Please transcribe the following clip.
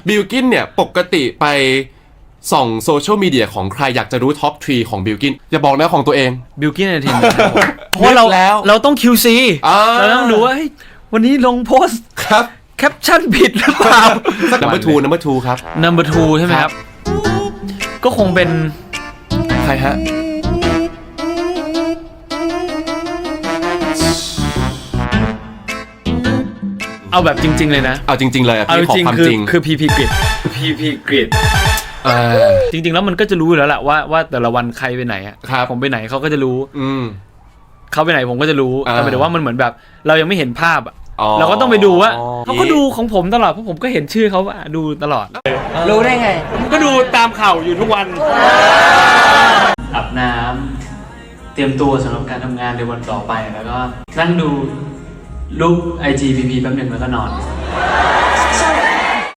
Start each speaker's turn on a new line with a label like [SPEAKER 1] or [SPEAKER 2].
[SPEAKER 1] บิลกินเนี่ยปกติไปส่องโซเชียลมีเดียของใครอยากจะรู้ท็อปทรีของบิลกินอย่าบอกนะของตัวเอง
[SPEAKER 2] บิลกินเอนเตอร์เทนเมนต์เพราะว่าเราต้อง QC เราต้องดูว่าวันนี้ลงโพสต์
[SPEAKER 1] ครับ
[SPEAKER 2] แคปชั่นผิดหรือเปล่า
[SPEAKER 1] number 2ครับ
[SPEAKER 2] number 2ใช่ไหมครับก็คงเป็น
[SPEAKER 1] ใครฮะ
[SPEAKER 2] เอาแบบจริงๆเลยนะ
[SPEAKER 1] เอาจริงๆเลยอ่ะ
[SPEAKER 2] เอา
[SPEAKER 1] พี่ขอ
[SPEAKER 2] จริง
[SPEAKER 1] ความจริง
[SPEAKER 2] คือ PP Grid PP Grid จริงๆแล้วมันก็จะรู้อยู่แล้วแหละว่าแต่ละวันใครไปไหนอ่ะผมไปไหนเขาก็จะรู้เขาไปไหนผมก็จะรู้แต่หมายถึงว่ามันเหมือนแบบเรายังไม่เห็นภาพอ่ะเราก็ต้องไปดูว่าเขาก็ดูของผมตลอดเพราะผมก็เห็นชื่อเขาดูตลอดรู้ได้ไงผมก็ดูตามข่าวอยู่ทุกวันอาบน้ำเตรียมตัวสำหรับการทำงานในวันต่อไปแล้วก็นั่งดูรูป IG PP แป๊บนึงแล้วก็นอน